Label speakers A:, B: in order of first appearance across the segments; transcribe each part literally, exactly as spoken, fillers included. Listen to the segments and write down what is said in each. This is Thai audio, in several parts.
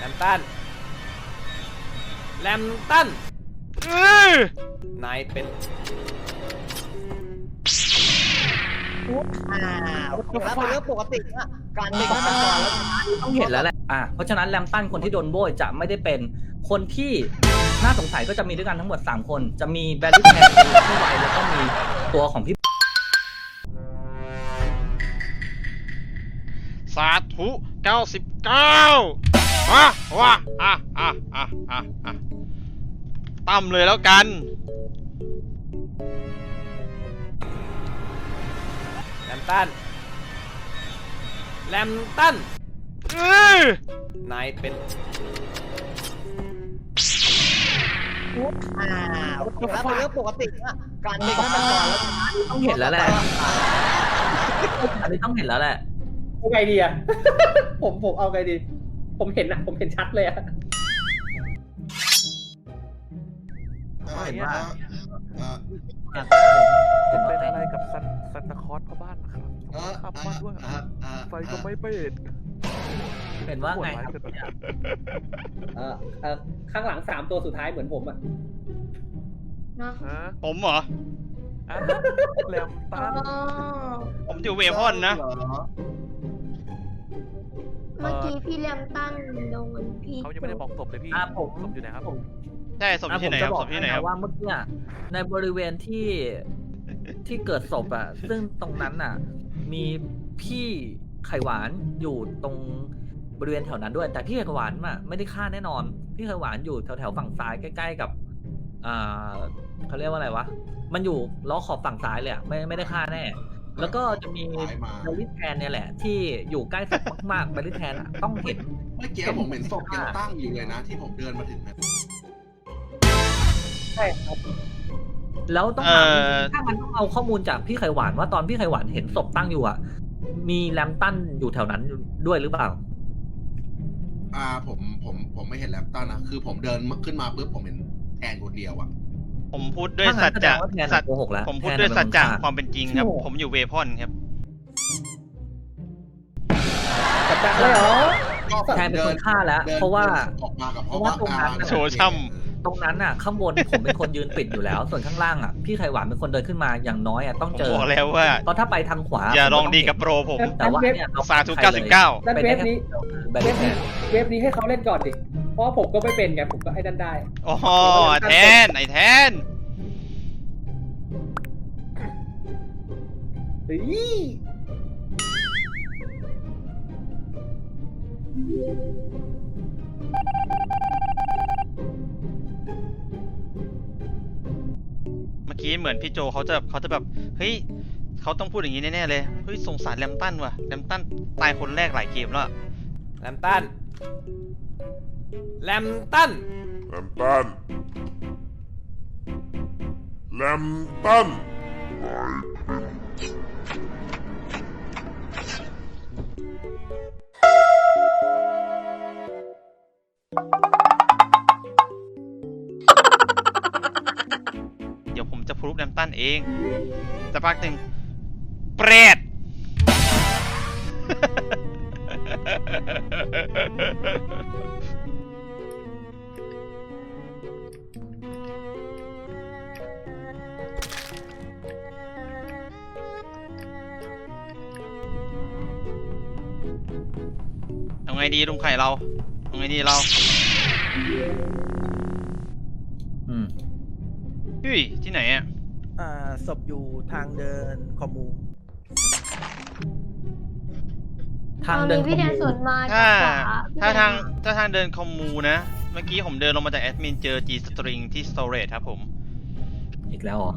A: แลมตันแลมตันนายเป็น
B: อ่าแล้วเป็นเรื่องปกตินะการเป็นฆาตกรแล้ว
C: ต้องเห็นแล้วแหละอ่ะเพราะฉะนั้นแลมตันคนที่โดนโบยจะไม่ได้เป็นคนที่น่าสงสัยก็จะมีด้วยกันทั้งหมดสามคนจะมีแบลลี่แทนที่ไวแล้วก็มีตัวของพี่
D: สาธุเก้าสิบเก้าว้าว้าอ่ะอ่ะอ่ะอ่ะอ่ะตั้มเลยแล้วกัน
A: แลมตันแลมตันนายเป็น
B: อ่าแล้วเป็นเรื่องปกตินะการเป็นฆาตกรแล้ว
C: ต้องเห็นแล้วแหละอันนี้ต้องเห็นแล้วแหละ
E: เอาไงดีอะผมผมเอาไงดีผมเห็นนะผมเห็นชัดเลยอะ
F: เห็นว่า
G: เป็นอะไรกับซันซันตาคอสเข้าบ้านนะครับขับบ้านด้วยไฟก็ไม่เปิด
C: เห็นว่าไงครับ
E: เออเออข้างหลังสามตัวสุดท้ายเหมือนผมอะ
G: ฮะ
D: ผมเหรอ
G: แลมตัน
D: ผมอยู่เวพอนนะ
H: เมื่อกี้พี่แลมตันโดนพี่
G: เขายังไม่ได้บอกศพเลยพี่ศพอยู่ไหนครับผม
D: ใช่ศพอยู่ที่ไหนครับศพที่ไหนครับ
C: ว่าเมื่อกี้ในบริเวณที่ที่เกิดศพอ่ะซึ่งตรงนั้นอ่ะมีพี่ไข่หวานอยู่ตรงบริเวณแถวนั้นด้วยแต่พี่ไข่หวานอ่ะไม่ได้ฆ่าแน่นอนพี่ไข่หวานอยู่แถวแถวฝั่งซ้ายใกล้ๆกับอ่าเขาเรียกว่าอะไรวะมันอยู่ล้อขอบฝั่งซ้ายเลยอ่ะไม่ไม่ได้ฆ่าแน่แล้วก็จะมีแบลลิแทนเนี่ยแหละที่อยู่ใกล้ศพมากๆแบลลิแทนอ่ะต้องเห็น
F: เมื่อกี้ผมเห็นศพยังตั้งอยู่เลยนะที่ผมเดินมาถึงนะ
E: ใช่ครับ
C: แล้วต้องถามถ้ามันต้องเอาข้อมูลจากพี่ไข่หวานว่าตอนพี่ไข่หวานเห็นศพตั้งอยู่อ่ะมีแลมตันอยู่แถวนั้นด้วยหรือเปล่า
F: อ่าผมผมผมไม่เห็นแลมตันนะคือผมเดินขึ้นมาปุ๊บผมเห็นแทนคนเดียวอ่ะ
D: ผมพูดด้วยสัจจะสัจผมพูดด้วยสัจจะความเป็นจริงครับผมอยู่เวพอนครับ
E: สัจจะเลยเหรอ
C: แทนเป็นคนฆ่าแล้วเพราะว่า
F: เพราะว่าตรงนั้น
D: โชว์ช่ำ
C: ตรงนั้นอ่ะข้างบนผมเป็นคนยืนปิดอยู่แล้วส่วนข้างล่างอ่ะพี่ไข่หวานเป็นคนเดินขึ้นมาอย่างน้อยอ่ะต้องเจอ
D: บอกแล้วว่า
C: เพราะถ้าไปทางขวา
D: อย่าลองดีกับโปรผม
C: แต่ว่าเนี่ย
D: สาธุเก้าสิบเก้า
E: เว็บนี้เว็บนี้เว็บนี้ให้เขาเล่นก่อนดิเพราะผมก็ไม่เป็นไงผมก็ไอ้นั่นได้
D: โอ้โหแทนไอ้แทน
E: เฮ้ย
D: เมื่อกี้เหมือนพี่โจเขาจะเขาจะแบบเฮ้ยเขาต้องพูดอย่างนี้แน่ๆเลยเฮ้ยสงสารแลมตันว่ะแลมตันตายคนแรกหลายเกมแล้ว
A: แลมตันแลมตัน
I: แลมตันแลมตัน
D: เดี๋ยวผมจะพรูฟแลมตันเองสักพักหนึ่งเปรตเอาไงดีลุงไข่เราเอาไงดีเรา
C: อืม
D: เฮ้ยที่ไหนอ่ะ
B: อ่าศพอยู่ทางเดินคอมมู
C: ทางเดิน
H: พี่แดนสวนมา
D: ถ้าถ้าทางถ้าทางเดินคอมมูนะเมื่อกี้ผมเดินลงมาจากแอดมินเจอ G string ที่ storage ครับผม
C: อีกแล้วเหรอ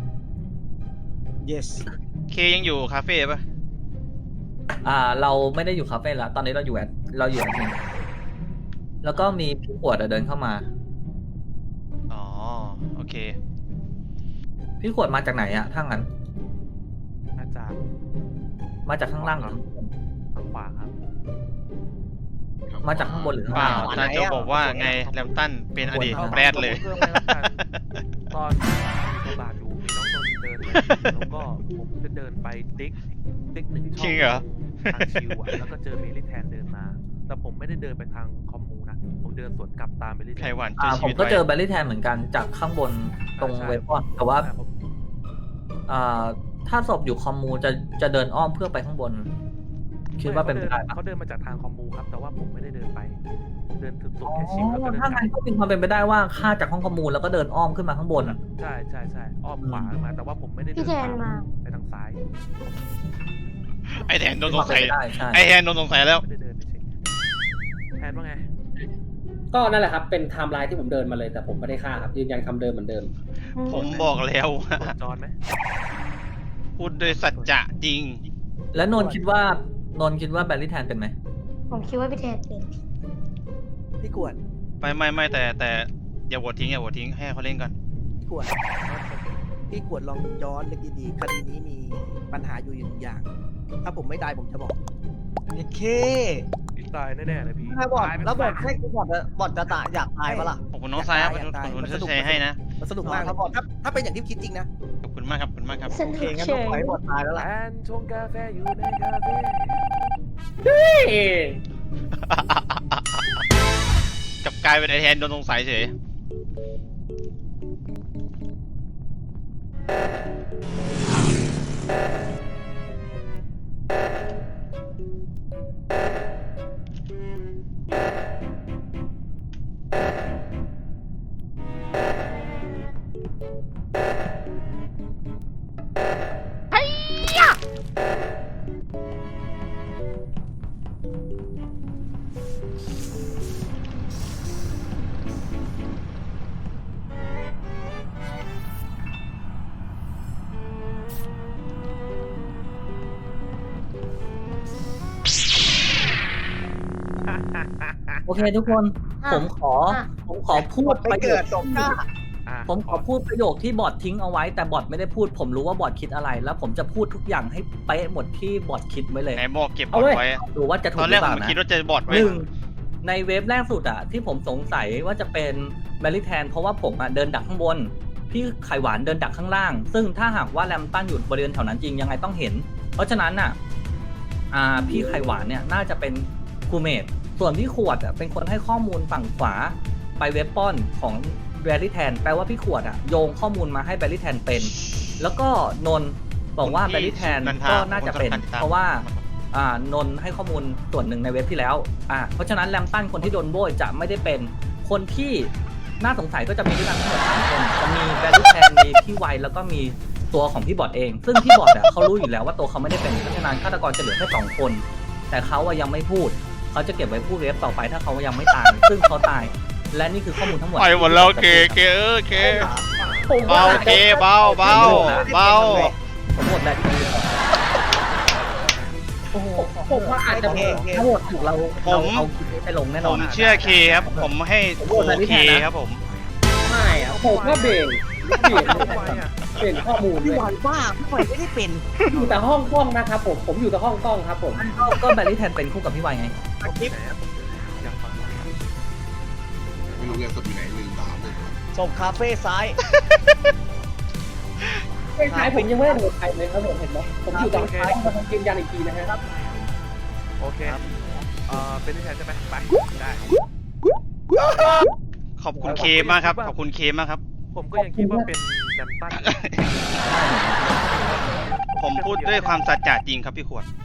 B: yes
D: เคยังอยู่คาเฟ่ป่ะ
C: อ่าเราไม่ได้อยู่คาเฟ่แล้วตอนนี้เราอยู่แอดเราอยู่แอดมินแล้วก็มีพี่ขวดเดินเข้ามา
D: อ๋อโอเค
C: พี่ขวดมาจากไหนอะถ้างั้น
G: มาจาก
C: มาจากข้างล่างหรือ
G: ทางขวาครับ
C: มาจากข้างบนหรือข้างล่าง
D: อาจารย์โจบอกว่าไงแลมตันเป็นอดีตแรดเลย
G: ตอนมีบาดอยู่มีน้องนนท์เดินแล้วก็ผมจะเดินไปติ๊กติ๊กหนึ่งช่องทางชิวอ่ะแล้วก็เจอเมลิแทนเดินมาแต่ผมไม่ได้เดินไปทางคอมมูนะเดินสวนกลับตามไปเรื่อยๆ
D: ไข่หวาน
C: อ่า
D: ช่วย
C: ผ
D: ชี
C: ม
D: วิต
C: ก็
D: ไว้
C: เจอแบลลี่แทนเหมือนกันจากข้างบนตรง
G: ใช่
C: เวฟอนแต่ว่า
G: ใช่ผม
C: อ่าถ้าศพอยู่คอมมูจะจะเดินอ้อมเพื่อไปข้างบน คิดว่าเป็นไปได้ปะ
G: เขาเดินมาจากทางคอมมูครับ แต่ว่าผมไม่ได้เดินไป เดินถึงสุด
C: อ๋
G: แค่ชิปแล้วก็
C: อ
G: เดิน
C: ถ้าก
G: ลั
C: งั้นก็มีความเป็นไปได้ว่าฆ่าจากห้องคอมมูแล้วก็เดินอ้อมขึ้นมาข้างบนอ่ะ
G: ใช่ใช่ใช่อ้อมขวามา แต่ว่าผมไม่ได้เดิ
H: พี่
G: น
H: แทน
G: ตาม
H: มา
G: ไปทางซ้าย
D: ไอแทนโดนส
C: มีค
D: ง
C: วามเป็
D: สั
C: น
D: ย
C: ไปได้ใช่
D: ไอแทนโดนสงสัยแล้ว
G: ไม่ได้เดินไปเช็คแทนว่าไง
E: ก็นั่นแหละครับเป็นไทม์ไลน์ที่ผมเดินมาเลยแต่ผมไม่ได้ฆ่าครับยืนยันคำเดิมเหมือนเดิม
D: ผมบอกแล้วว่า
G: กดจอนไหม
D: พูดโดยสัจจะจริง
C: แล้วนนท์คิดว่านนท์คิดว่าแบลลี่แทนเป็นไหม
H: ผมคิดว่าพี่แทนเป็น
B: พี่กวด
D: ไม่ไม่ไม่แต่แต่อย่าโหวตทิ้งอย่าโหวตทิ้งให้เขาเล่นก่อน
B: พี่กวดพี่กวดลองย้อนนึกดีๆคดีนี้มีปัญหาอยู่อย่างอย่าง ถ้าผมไม่ได้ผมจะบอกโอเค
G: พี่ตายแน่ๆเลยพี่
B: ถ้าบอด
G: ตายเป็น
B: แล้วบอด
G: แฟน
B: ให้บอดบอดจะตายอยากตายปะล่ะ
D: ขอบคุณน้องซ้ายครับ
B: อยากตาย
D: ขอบคุณ
B: อยากตาย
D: ที่แชร์ให้นะ
B: มันสนุกมากครับบอดถ้าถ้าเป็นอย่างที่คิดจริงนะ
D: ขอบคุณมากครับขอบคุณมากครับ
H: ส
B: โอ
H: นุ
B: เค
H: ก
B: งั้น
H: เฉ
B: ต้อง
H: ย
B: ปล่อยให้บอดตายแล้วล่ะ
G: แอนชงกาแฟอยู่ในคาเฟ่
D: กลับกลายเป็นไอแทนโดนสงสัยเฉย
C: โอเคทุกคน
H: อ่ะ
C: ผมขอ
H: อ่ะ
C: ผมขอพู
B: บอ
C: ด
B: ดไป
C: ประโย
B: เกิ
C: ค
B: ดสมหน้า
G: อ่ะ
C: ผมขอพูดประโยคที่บอททิ้งเอาไว้ แต่บอทไม่ได้พูด ผมรู้ว่าบอทคิดอะไร แล้วผมจะพูดทุกอย่างให้เป๊ะหมดที่บอทคิดไว้เลย
D: ไหนบอกเก็บบอ
C: เอา
D: ด
C: เว้ย
D: ไว้
C: ดูว่าจะถู
D: ต
C: ก
D: อน
C: ห
D: แร
C: รื
D: ก
C: อเป
D: ผ
C: ล่าม นะ
D: คิดว่าเจอบอดไว้
C: หนึ่งในเวฟแรกสุดอะที่ผมสงสัยว่าจะเป็นแบลลี่แทนเพราะว่าผมอะเดินดักข้างบน พี่ไข่หวานเดินดักข้างล่าง ซึ่งถ้าหากว่าแรมตันอยู่บริเวณแถวนั้นจริงยังไงต้องเห็น เพราะฉะนั้นอะอ่าพี่ไข่หวานเนี่ยน่าจะเป็นครูเมดส่วนพี่ขวดอะเป็นคนให้ข้อมูลฝั่งขวาไปเว็บป้อนของแบลลี่แทนแปลว่าพี่ขวดอะโยงข้อมูลมาให้แบลลี่แทนเป็น แล้วก็นนท์บอกว่าแบลลี่แทนก็น่าจะเป็น เพราะว่า อ่านนท์ให้ข้อมูลส่วนหนึ่งในเว็บที่แล้วอ่าเพราะฉะนั้นแรมตันคนที่โดนโบยจะไม่ได้เป็นคนที่น่าสงสัยก็จะมีด้วยกันทั้งหมดสามคนจะมีแบลลี่แทนมีพี่ไวแล้วก็มีตัวของพี่บอดเอง ซึ่งพี่บอดอะเขารู้อยู่แล้วว่าตัวเขาไม่ได้เป็นเพราะฉะนั้นฆาตกรจะเหลือแค่สองคน แต่เขาอะยังไม่พูดเขาจะเก็บไว้พูดเว็บต่อไปถ้าเขายังไม่ตาย ซึ่งเขาตาย และนี่คือข้อมูลทั้งหมด
D: ไปหมดแล้วเคเคเออเค
E: ผม
D: เบา
E: ว่า
D: เคเบาเบาเบา
C: ผมหมดแล้วที่โอ้โห
E: ผมว่าอาจจะ
B: โอเคโอเค
C: ถ้าโหวตถูกเราเราเอาคลิปนี้ไปลงแน่น
D: ผ
C: อน
D: มเชื่อเคครับ ผมให้
C: ผม
D: โอ
C: โหวตแบลลี่
D: เค
C: แทนนะ
D: ครับผม
E: ไม่อะผมว่าเบรกเบรก
G: ทำไมอ่ะ
E: เปลี่ยนข้อมูลเล
B: พี่
E: ย
B: หวานบ้าพี่หวานไม่ได้เป็น
E: อยู่แต่ห้องกล้องนะครับผมผมอยู่แต่ห้องกล้องครับผม
C: ก็ก็แบลลี่แทนเป็นคู่กับพี่ไวไง
B: สคริปต์
G: ยังฟังไม่ทัน
F: ไม่รู้เรื่องศพอยู่ไหนลืมตามเลย
B: ศพคาเฟ่ซ้าย
E: ใช่ท้ายผมยังไม่ได้โหวตใครเลยครับผมเห็นไหมผมอยู่ตรงท้ายมายืนยันอีกทีนะฮะ
G: โอเคเอ่อเป็นที่แทนใช่ไหมไปได้
D: ขอบคุณเคมากครับ ขอบคุณเคมากครับ
G: ผมก็ยังคิดว่าเป็นแลมตัน
D: ผมพูดด้วยความสัจจะจริงครับพี่ขวด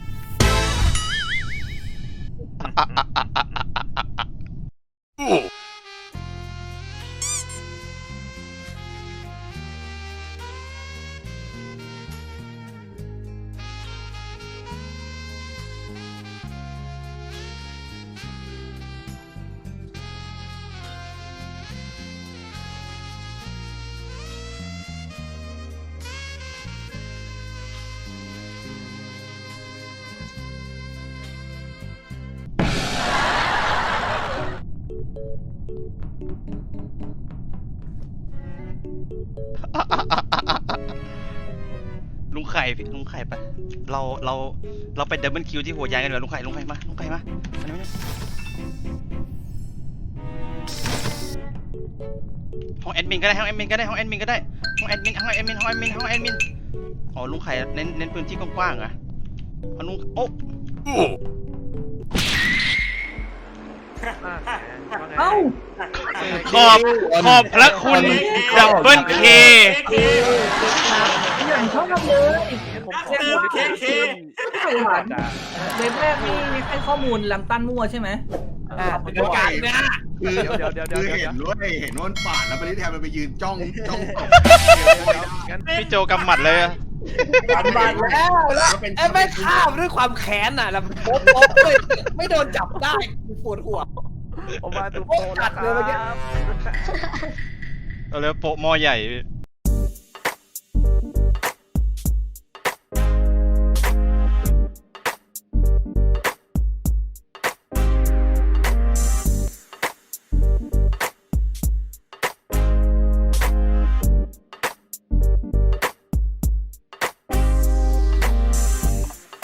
D: ลุงไข่พี่ลุงไข่ไปเราเราเราไปดับเบิลคิวที่หัวยายกันเลยลุงไข่ลุงไข่มาลุงไข่มามานี่มานี่ห้องแอดมินก็ได้ห้องแอดมินก็ได้ห้องแอดมินก็ได้ห้องแอดมินห้องแอดมินห้องแอดมินห้องแอดมินอ๋อลุงไข่เน้นเน้นพื้นที่กว้างๆอะเอาลุงโอ๊ะ
G: อ่ะว่าไง
C: เอ้า
D: ขอบขอบพระคุณดับเบิลเค
C: อย่างชอบเลย
G: ผมขอพูดนิดนึงที่
C: ไข่หวานเว็บแรกนี่ให้ข้อมูลแลมตันมั่วใช่ไหม
B: อ่า
F: เดี๋ยวก่อนคือ
G: เดี๋ยวเดี๋ยวเดี๋ยวเดี๋ยว
F: คือ
G: เดี๋ยว
F: เห็นด้วยเห็นว่ามันปาดแล้วไปริแทนมันไปยืนจ้องจ้องตบ
G: งั้น
D: พี่โจกำหมัดเลยอะ
B: บันบันแล้วแล้ว
F: ก็เป็น
B: ไอ้แม่ข้ามด้วยความแค้นน่ะแล้วโป๊ะโป๊ะเลยไม่โดนจับได้ปวดหัว
G: ผมมาดูโปร
B: จัดเลยเมื่อกี้
G: นะครับ
D: เอาเลยโปะหมอใหญ่